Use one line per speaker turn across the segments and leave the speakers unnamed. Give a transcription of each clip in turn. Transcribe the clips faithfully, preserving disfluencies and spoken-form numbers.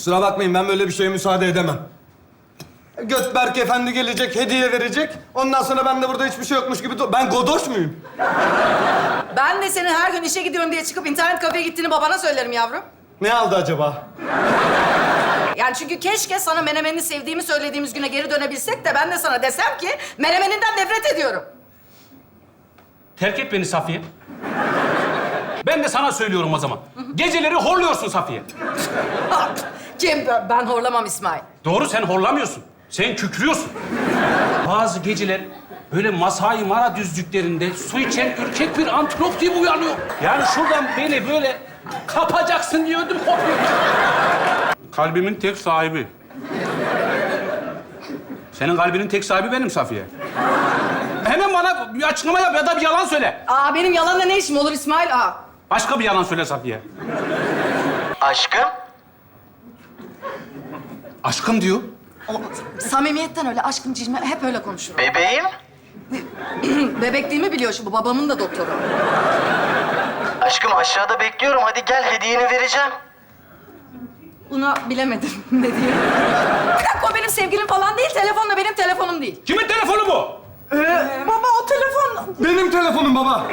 Kusura bakmayın, ben böyle bir şeye müsaade edemem. Götberk Efendi gelecek, hediye verecek. Ondan sonra ben de burada hiçbir şey yokmuş gibi... dur- Ben godoş muyum?
Ben de senin her gün işe gidiyorum diye çıkıp internet kafeye gittiğini babana söylerim yavrum.
Ne aldı acaba?
Yani çünkü keşke sana menemenini sevdiğimi söylediğimiz güne geri dönebilsek de ben de sana desem ki menemeninden nefret ediyorum.
Terk et beni Safiye. Ben de sana söylüyorum o zaman. Geceleri horluyorsun Safiye.
Kim? Ben horlamam İsmail.
Doğru, sen horlamıyorsun. Sen kükrüyorsun. Bazı geceler böyle Masai Mara düzlüklerinde su içen ürkek bir antilop gibi uyanıyor. Yani şuradan beni böyle kapacaksın diye ödüm kopuyor. Kalbimin tek sahibi. Senin kalbinin tek sahibi benim Safiye. Hemen bana bir açıklama yap ya da bir yalan söyle.
Aa benim yalanla ne işim olur İsmail? Aa.
Başka bir yalan söyle Safiye.
Aşkım?
Aşkım diyor.
O, samimiyetten öyle aşkım cicim hep öyle konuşurum.
Bebeğim?
Bebekliğimi biliyor şimdi babamın da doktoru.
Aşkım aşağıda bekliyorum. Hadi gel, hediyeni vereceğim.
Buna bilemedim ne diyeyim. Bir dakika o benim sevgilim falan değil. Telefonla benim telefonum değil.
Kimin telefonu bu?
Baba o telefon...
Benim telefonum baba.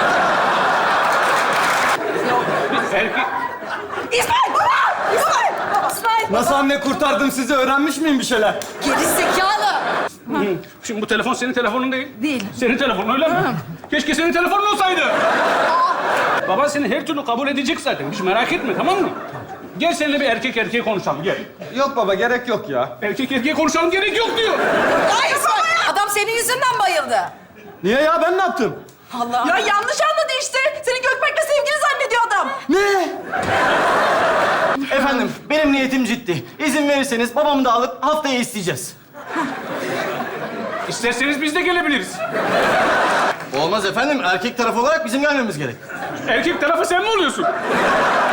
Erkek...
İsmail baba! İsmail! İsmail baba!
Nasıl anne kurtardım sizi? Öğrenmiş miyim bir şeyler?
Geri zekalı!
Hı. Şimdi bu telefon senin telefonun değil.
Değil.
Senin telefonun öyle mi? Keşke senin telefonun olsaydı. Baban seni her türlü kabul edecek zaten. Hiç merak etme, tamam mı? Gel seninle bir erkek erkeğe konuşalım, gel.
Yok baba, gerek yok ya.
Erkek erkeğe konuşalım, gerek yok diyor.
Ay İsmail! Adam senin yüzünden bayıldı.
Niye ya? Ben ne yaptım?
Allah! Ya yanlış anladı işte. Seni Gökberk'le sevgili zannediyor adam.
Ne?
Efendim, benim niyetim ciddi. İzin verirseniz babamı da alıp haftaya isteyeceğiz.
İsterseniz biz de gelebiliriz.
Olmaz efendim, erkek tarafı olarak bizim gelmemiz gerek.
Erkek tarafı sen mi oluyorsun?